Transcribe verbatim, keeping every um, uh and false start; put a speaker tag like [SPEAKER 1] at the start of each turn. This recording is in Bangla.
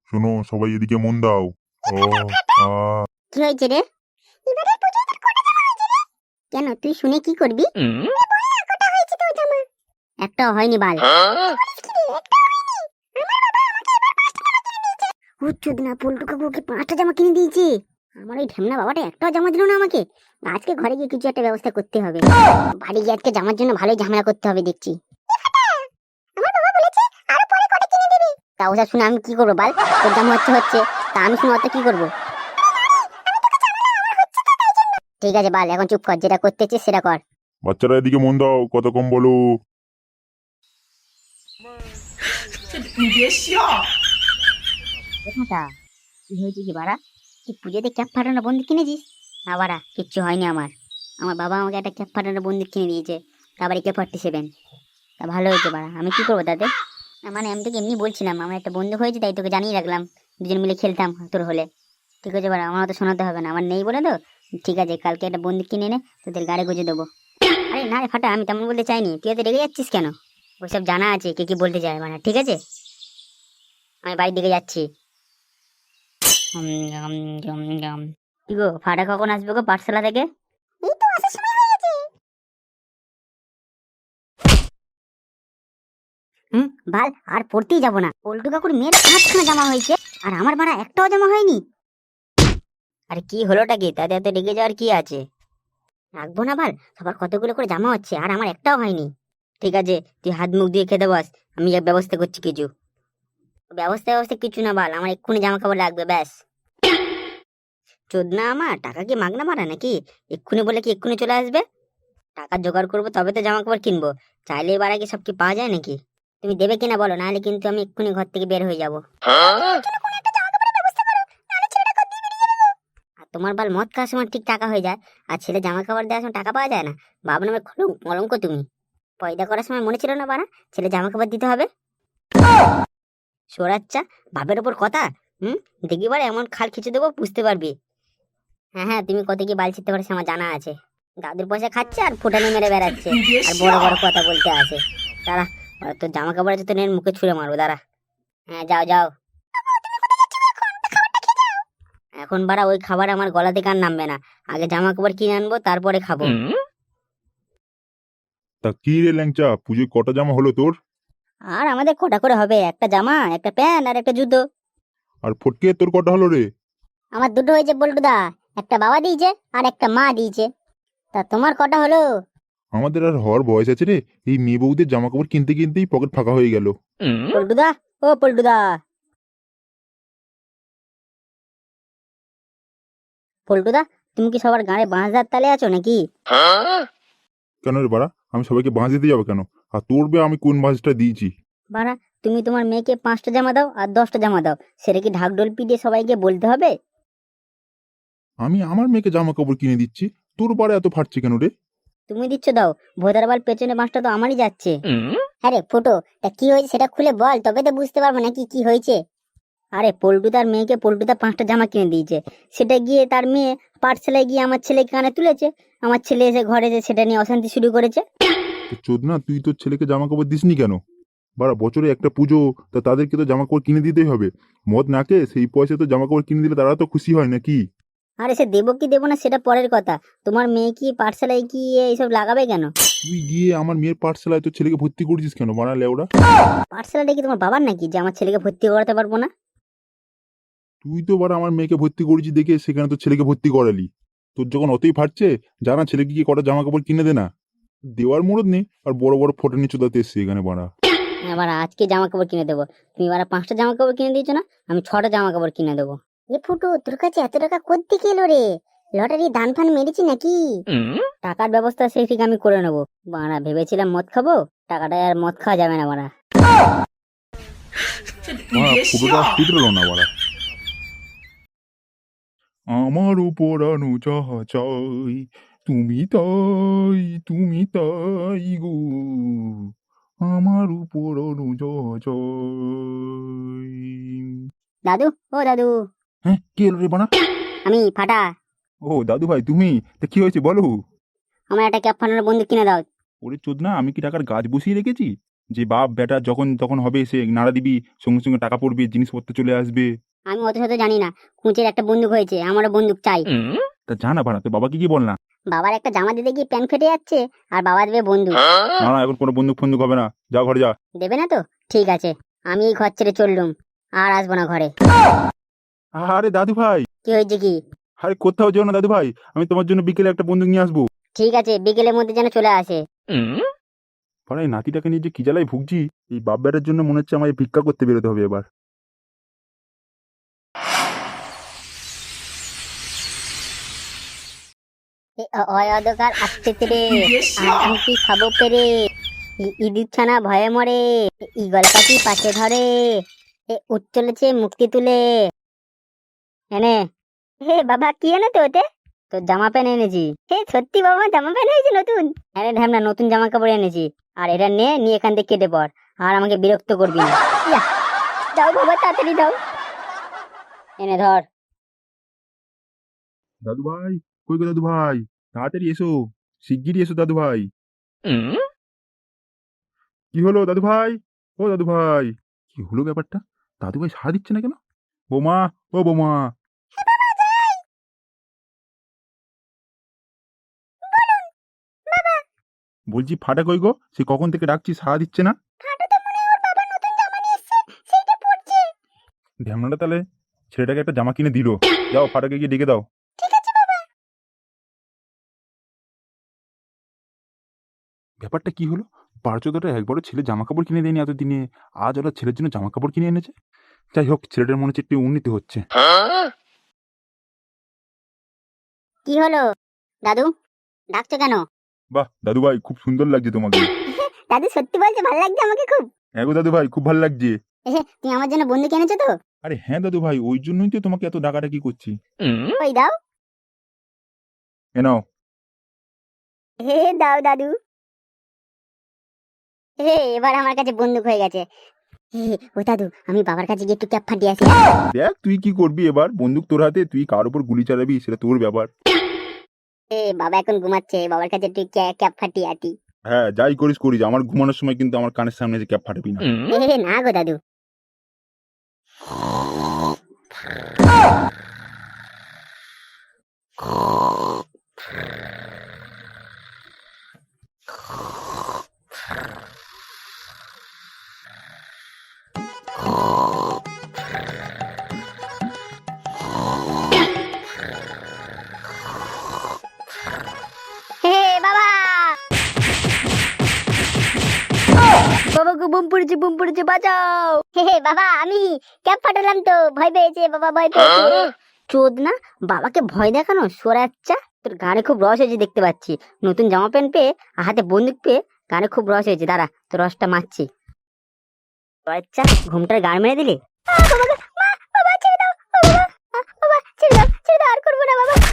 [SPEAKER 1] শোনো সবাই এদিকে মন দাও। ও আ
[SPEAKER 2] কি হয়েছে রে? এবারে পুজোয় তোর কটা জামা হয়েছে রে? কেন তুই শুনে কি করবি? এ বল না কটা হয়েছে তোর জামা? একটাও হয়নি বাল। বলিস কি রে? একটাও হয়নি? আমার বাবা আমাকে এবার পাঁচটা জামা কিনে দিয়েছে। হুচ্চুদ না, পল্টু কাকু ওকে পাঁচটা জামা কিনে দিয়েছে। আমার ওই ঢেমনা বাবাটা একটাও জামা দিল না আমাকে। আজকে ঘরে গিয়ে কিছু একটা ব্যবস্থা করতে হবে। বাড়ি গিয়ে আজকে জামার জন্য ভালোই ঝামেলা করতে হবে দেখছি। আমার বাবা বলেছে আরো পরে কটা কিনে দেবে। তা ওসব শুনে আমি কি করবো বাল? তোর জামা হচ্ছে হচ্ছে, তা আমি শুনে অত কি করবো? ঠিক আছে বাল, এখন চুপ কর, যেটা করতে চাস সেটা কর।
[SPEAKER 1] বাচ্চারা এদিকে মন দাও, কত কম বলো।
[SPEAKER 3] 你别笑。
[SPEAKER 2] কোথাটা কি হয়েছে কি বাড়া? তুই পুজোতে ক্যাপ ফাটানো বন্দুক কিনেছিস? না বাড়া, কিচ্ছু হয়নি আমার। আমার বাবা আমাকে একটা ক্যাপ ফাটানো বন্দুক কিনে দিয়েছে, তারপরে কে ফর্টি সেভেন। তা ভালো হয়েছে বাড়া, আমি কি করবো তাতে? না মানে আমি তোকে এমনি বলছিলাম, আমার একটা বন্দুক হয়েছে তাই তোকে জানিয়ে রাখলাম, দুজন মিলে খেলতাম তোর হলে। ঠিক আছে বাড়া, আমার তো শোনাতে হবে না, আমার নেই বলে তো। ঠিক আছে, কালকে একটা বন্দুক কিনে এনে তোদের গাড়ি গুঁজে দেবো। আরে না রে ফাটা, আমি তেমন বলতে চাইনি, তুই এত রেগে যাচ্ছিস কেন? ওইসব জানা আছে কে কি বলতে চায় মানে। ঠিক আছে, আমি বাড়ির দিকে যাচ্ছি। উম, উম, উম, উম। কি গো, ফাটা কখন আসবে গো পাঠশালা থেকে? এই তো আসার সময় হয়ে গেছে। হুম বাল, আর পড়তেই যাবো না। পল্টু কাকুর মেয়ের পাঁচখানা জামা হয়েছে, আর আমার বাড়া একটাও জামা হয়নি। আরে কি হলোটা কি, তাতে এত রেগে যাওয়ার কি আছে? রাখবো না বাল, সবার কতগুলো করে জামা হচ্ছে আর আমার একটাও হয়নি। ঠিক আছে, তুই হাত মুখ দিয়ে খেতে বস, আমি এক ব্যবস্থা করছি কিছু। ব্যবস্থা ব্যবস্থা কিছু না বাল, আমার এক্ষুনি জামা কাপড় লাগবে ব্যাস। চোদনা আমার, টাকা কি মাগনা মারা নাকি? এক্ষুনি বলে কি এক্ষুনি চলে আসবে? টাকা জোগাড় করবো তবে তো জামা কাপড় কিনবো। চাইলে এবার আগে সব কি পাওয়া যায় নাকি? তুমি দেবে কিনা বলো, নাহলে কিন্তু আমি এক্ষুনি ঘর থেকে বের হয়ে যাবো। আর তোমার বাল মদ খাওয়ার সময় ঠিক টাকা হয়ে যায়, আর ছেলে জামা কাপড় দেওয়ার সময় টাকা পাওয়া যায় না। বাবা নামে কলঙ্ক কলঙ্ক তুমি। পয়দা করার সময় মনে ছিল না বানা ছেলে জামা কাপড় দিতে হবে? সোরাচ্চা, বাপের ওপর কথা। হুম, দেখি বারে এমন খাল খিচে দেবো বুঝতে পারবি। হ্যাঁ হ্যাঁ, তুমি কত কি বাল ছিটতে পারছো আমার জানা আছে। দাদুর পয়সা খাচ্ছে আর ফুটানি মেরে বেড়াচ্ছে,
[SPEAKER 3] 你别
[SPEAKER 2] আর বড়
[SPEAKER 3] 笑
[SPEAKER 2] বড়。কথা বলতে আসে। দাঁড়া, ওরা তোর জামা কাপড় আছে তো নের মুখে ছুঁড়ে মারবো, দাঁড়া। হ্যাঁ যাও যাও। এখন বাড়া ওই খাবার আমার গলা থেকে আর নামবে না। আগে জামা কাপড় কিনে আনবো, তারপরে খাবো।
[SPEAKER 1] তা কি রে ল্যাংচা, পুজোয় কটা জামা হলো তোর?
[SPEAKER 2] আর আমাদের কটা করে হবে? একটা জামা, একটা প্যান্ট আর একটা জুতো।
[SPEAKER 1] আর ফটকে তোর কটা হলো রে?
[SPEAKER 2] আমার দুটো হয়েছে বল্টুদা, একটা বাবা দিয়েছে আর একটা মা দিয়েছে। তা তোমার কটা হলো?
[SPEAKER 1] আমাদের আর হওয়ার বয়স আছে রে, এই মেয়ে বউদের জামা কাপড় কিনতে কিনতেই পকেট ফাঁকা হয়ে গেল।
[SPEAKER 2] পল্টুদা, ও পল্টুদা। পল্টুদা, তুমি কি সবার গাঁড়ে বাঁশদার তালে আছো নাকি?
[SPEAKER 1] কেন রে বাড়া, আমি সবাইকে বাঁশ দিতে যাবো কেন? আর তোর বে আমি কোন বাঁশটা দিয়েছি?
[SPEAKER 2] বাড়া, তুমি তোমার মেয়েকে পাঁচটা জামা দাও আর দশটা জামা দাও, সেটা কি ঢাকঢোল পিটিয়ে সবাইকে বলতে হবে?
[SPEAKER 1] আমি আমার মেয়েকে জামা কাপড় কিনে দিচ্ছি, তোর বাড়া এত ফাটছে কেন রে?
[SPEAKER 2] তুমি দিচ্ছ দাও, ভোদার বাল পেছনে বাঁশটা তো আমারই যাচ্ছে। আরে ফুটো, তা কি হয়েছে সেটা খুলে বল, তবে তো বুঝতে পারবো নাকি কি হয়েছে। আরে পল্টুদার মেয়েকে পল্টুদা পাঁচটা জামা কিনে দিয়েছে, সেটা গিয়ে তার মেয়ে পাঠশালায় গিয়ে আমার ছেলেকে কানে তুলেছে। আমার ছেলে এসে ঘরে যে সেটা নিয়ে অশান্তি শুরু করেছে।
[SPEAKER 1] তো চোদনা, তুই তোর ছেলেকে জামা কাপড় দিসনি কেন? বাড়া বছরে একটা পুজো, তা তাদেরকে তো জামা কাপড় কিনে দিতেই হবে। মদ নাকে সেই পয়সা তো জামা কাপড় কিনে দিলে তারা তো খুশি হয় নাকি?
[SPEAKER 2] আরে সে দেবো কি দেবো না সেটা পরের কথা, তোমার মেয়ে কি পাঠশালায় কি এইসব লাগাবে কেন?
[SPEAKER 1] তুই গিয়ে আমার মেয়ের পাঠশালায় তোর ছেলেকে ভর্তি করেছিস কেন বাড়া লেওড়া?
[SPEAKER 2] পাঠশালাটা কি তোমার বাবার নাকি যে আমার ছেলেকে ভর্তি করাতে পারবো না?
[SPEAKER 1] তুই তো বাড়া আমার মেয়েকে ভর্তি করেছিস দেখে সেখানে তোর ছেলেকে ভর্তি করালি। তোর যখন অতই ফাটছে, জানা ছেলেকে কি কটা জামা কাপড় কিনে দে না। দেওয়ার মুরদ নেই, আর বড় বড় ফটো নিচু দাতে এসছে এখানে বাড়া।
[SPEAKER 2] এবার আজকে জামা কাপড় কিনে দেবো। তুমি এবার পাঁচটা জামা কাপড় কিনে দিয়েছো না, আমি ছটা জামা কাপড় কিনে দেবো। এ ফুটু, তোর কাছে এত টাকা কোত্থেকে এলো রে? লটারি দান ফান মেরেছি নাকি? টাকার ব্যবস্থা সেই ঠিক আমি করে নেবো। বাড়া ভেবেছিলাম মদ খাবো, টাকাটা আর মদ খাওয়া যাবে না বাড়া।
[SPEAKER 3] 你
[SPEAKER 1] বাড়া
[SPEAKER 3] 别
[SPEAKER 1] ফুটোটা
[SPEAKER 3] 笑。
[SPEAKER 1] ফুটলো না বাড়া। আমার উপর আনো যাহা চাই, তুমি তাই তুমি তাই গো, আমার উপর আনো যাহা চাই।
[SPEAKER 2] দাদু, ও দাদু।
[SPEAKER 1] হ্যাঁ কে এলো রে বাড়া?
[SPEAKER 2] আমি ফাটা।
[SPEAKER 1] ও দাদু ভাই তুমি, তা কি হয়েছে বলো?
[SPEAKER 2] আমার একটা ক্যাপ ফাটানোর বন্দুক কিনে দাও।
[SPEAKER 1] ওরে চোদনা, আমি কি টাকার গাছ বসিয়ে রেখেছি? যে বাপ বেটা যখন তখন হবে সে নাড়া দিবি, সঙ্গে সঙ্গে টাকা পড়বে, জিনিসপত্র চলে আসবে।
[SPEAKER 2] আমি অত শত জানি না, কুঁচের একটা বন্দুক হয়েছে, আমারও বন্দুক চাই।
[SPEAKER 1] তা জানা বাড়া, তোর বাবাকে কি বল না।
[SPEAKER 2] বাবার একটা জামা দিতে গিয়ে প্যান্ট ফেটে যাচ্ছে, আর বাবা দেবে বন্দুক।
[SPEAKER 1] না না, এখন কোনো বন্দুক ফন্দুক হবে না, যা ঘরে যা।
[SPEAKER 2] দেবে না তো? ঠিক আছে, আমি এই ঘর ছেড়ে চললুম, আর আসবো না ঘরে।
[SPEAKER 1] আরে দাদু ভাই,
[SPEAKER 2] কি হয়েছে কি?
[SPEAKER 1] আরে কোথাও যেও না দাদু ভাই, আমি তোমার জন্য বিকেলে একটা বন্দুক নিয়ে আসবো।
[SPEAKER 2] ঠিক আছে, বিকেলের মধ্যে যেন চলে আসে।
[SPEAKER 1] পাড়া এই নাতিটাকে নিয়ে যে কি জ্বালায় ভুগছি, এই বাপ বেটার জন্য মনে হচ্ছে আমায় ভিক্ষা করতে বেরোতে হবে এবার।
[SPEAKER 2] এ অ- অয় অন্ধকার আসতে রে, আর আমি কি খাবো পেরে, ই- ইঁদুর ছানা ভয়ে মরে, ইগল পাখি পাশে ধরে, এ উঠ চলেছে মুক্তি তুলে। এনে, হে বাবা কি এনে তো ওতে? তোর জামা প্যান্ট এনেছি। হে সত্যি বাবা, জামা প্যান্ট হয়েছে নতুন? আরে ঢ্যামনা, নতুন জামা কাপড় এনেছি, আর এটা নে, নিয়ে এখান থেকে কেটে পড়, আর আমাকে বিরক্ত করবি না। ইয়া, দাও বাবা, তাড়াতাড়ি দাও। এনে ধর।
[SPEAKER 1] দাদু ভাই, কই গো দাদু ভাই, তাড়াতাড়ি এসো, শিগগিরই এসো দাদু ভাই। কি হলো দাদু ভাই? ও দাদু ভাই, কি হলো ব্যাপারটা? দাদু ভাই সাড়া দিচ্ছে না কেন? বোমা, ও বোমা, বলছি ফাটা কই গো? সে কখন থেকে ডাকছি, সাড়া দিচ্ছে না। ঢ্যামনাটা তাহলে ছেলেটাকে একটা জামা কিনে দিল। যাও ফাটাকে গিয়ে ডেকে দাও। ব্যাপারটা কি হলো? পার্চদাটা একবারও ছেলে জামা কাপড় কিনে দেয়নি এতদিনে, আজ ওরা ছেলের জন্য জামা কাপড় কিনে এনেছে। যাই হোক, ছেলেটার মনে হচ্ছে একটু উন্নতি হচ্ছে।
[SPEAKER 2] কি হলো দাদু, ডাকছো কেন?
[SPEAKER 1] বাহ দাদু ভাই, খুব সুন্দর লাগছে তোমাকে।
[SPEAKER 2] দাদু সত্যি বলছে, ভালো লাগছে আমাকে খুব।
[SPEAKER 1] হ্যাঁ গো দাদু ভাই, খুব ভালো লাগছে।
[SPEAKER 2] এহে, তুমি আমার জন্য বন্দুক এনেছো তো?
[SPEAKER 1] আরে হ্যাঁ দাদু ভাই, ওই জন্যই তো তোমাকে এত ডাকাডাকি করছি।
[SPEAKER 2] ওই দাও।
[SPEAKER 1] এ নাও।
[SPEAKER 2] হে দাও দাদু। হে, এবার আমার কাছে বন্দুক হয়ে গেছে। হে, ও দাদু, আমি বাবার কাছে গিয়ে একটু ক্যাপ ফাটিয়ে আসি।
[SPEAKER 1] দেখ তুই কি করবি এবার, বন্দুক তোর হাতে, তুই কার উপর গুলি চালাবি সেটা তোর ব্যাপার।
[SPEAKER 2] এ বাবা এখন ঘুমাচ্ছে, বাবার কাছে একটু ক্যা- ক্যাপ ফাটিয়ে আটি।
[SPEAKER 1] হ্যাঁ যাই করিস করিস, আমার ঘুমানোর সময় কিন্তু আমার কানের সামনে যে ক্যাপ ফাটাবি না।
[SPEAKER 2] হে না গো দাদু। হে বাবা, বাবা গো, বোম পড়েছে, বোম পড়েছে, বাঁচাও। হে হে বাবা, আমি ক্যাপ ফাটালাম তো, ভয় পেয়েছে বাবা, ভয় পেয়েছে। চোদ না, বাবাকে ভয় দেখানো সোরাচ্চা। তোর গানে খুব রস হয়েছে দেখতে পাচ্ছি, নতুন জামা প্যান্ট পেয়ে আর হাতে বন্দুক পেয়ে গানে খুব রস হয়েছে। দাঁড়া, তোর রসটা মারছি। আচ্ছা, ঘুমটার গান মেরে দিলি। বাবা ছেড়ে দাও, বাবা, বাবা ছেড়ে দাও, ছেড়ে দাও, আর করবো না বাবা।